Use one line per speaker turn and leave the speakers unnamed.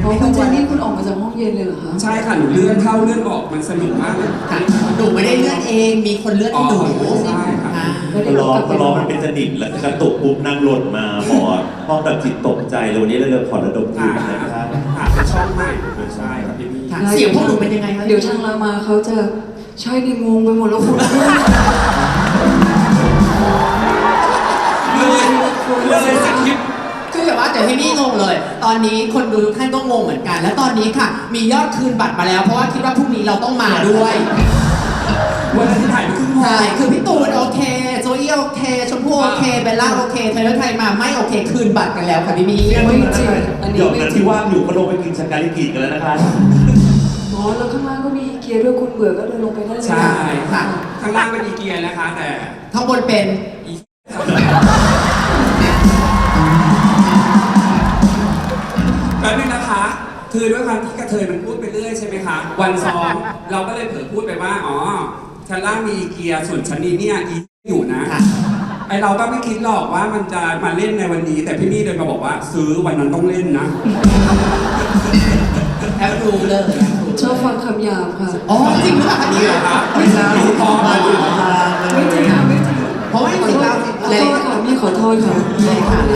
เพราะคุณเจนนี่คุณออกมาจากห้องเย็นเลยเหรอคะ
ใช่ค่ะหนูเลื่อนเข้าเลื่อนออกมันสนุกมากเลย
ค่ะหนูไม่ได้เลื่อนเองมีคนเลื่อนให้หนู
ใช่ค่ะ
ค่ะ
พอมันเป็นสนิมแล้วกระตุกปุ๊บนั่งหล่นมาหมอห้องดับจิตตกใจเลยวันนี้เราขอระดมทุนนะครับ
เป็นช่องใหม่ใช่ครับพี่มี่
ค่ะเสียงพวกหนูเป็นยังไงคะ
เดี๋ยวทางรามาเขาจะใช่ดิงงไปหมดแล้วคุณ
เลยสคริปต์
คือแบบว่าเดี๋ยวให้นี่งงเลย ตอนนี้คนดูทุกท่านก็งงเหมือนกัน และตอนนี้ค่ะ มียอดคืนบัตรมาแล้ว เพราะว่าคิดว่าพรุ่งนี้เราต้องมาด้วย
วันนั้นที่ถ่ายไปครึ่งโมง
ใช่คือพี่ตูนโอเคโจอี้โอเคชมพู่โอเคเบลล่าโอเคเทเลอร์ไทยมาไม่โอเคคืนบัตรกันแล้วค่ะพี่มี
ไม่จริงอันนี้
เดี๋ยว
ไม่
นั้น
จริง
ที่ว่างอยู่ก็ลงไปกินสกาลิกิกันแล้วนะคะ
อ๋อแล้วข้างล่างก็มีเกียร์ด้วยคุณเบื่อก็เดินลงไปได้เลย
ใช่
ค่ะ
ข้างล่างเป็นอีเกียนะคะ แต่
ข้างบนเป็น
แป๊บนึงนะคะ คือด้วยความที่กระเทยมันพูดไปเรื่อยใช่ไหมคะ วันซ้อมเราก็เลยเผลอพูดไปว่า อ๋อชั้นล่างมีอีเกียส่วนชั้นนี้เนี่ยอีอยู่นะ
ค่ะ
ไอเราก็ไม่คิดหรอกว่ามันจะมาเล่นในวันนี้ แต่พี่นี่เดินมาบอกว่าซื้อวันนั้นต้องเล่นนะ
แอบดูเลย
ชอบฟังคำหยาบค่ะ
อ๋อจริงหรือเปล่าคะ
นี่
เนี่ย
เหรอคะไม่ใช่พอมา
ไม่จริงค่ะไม่จริง
เพราะว่าจริงๆแล้ว
ขอโทษค่ะพี่ขอโทษค่ะ
ใช่ค่ะ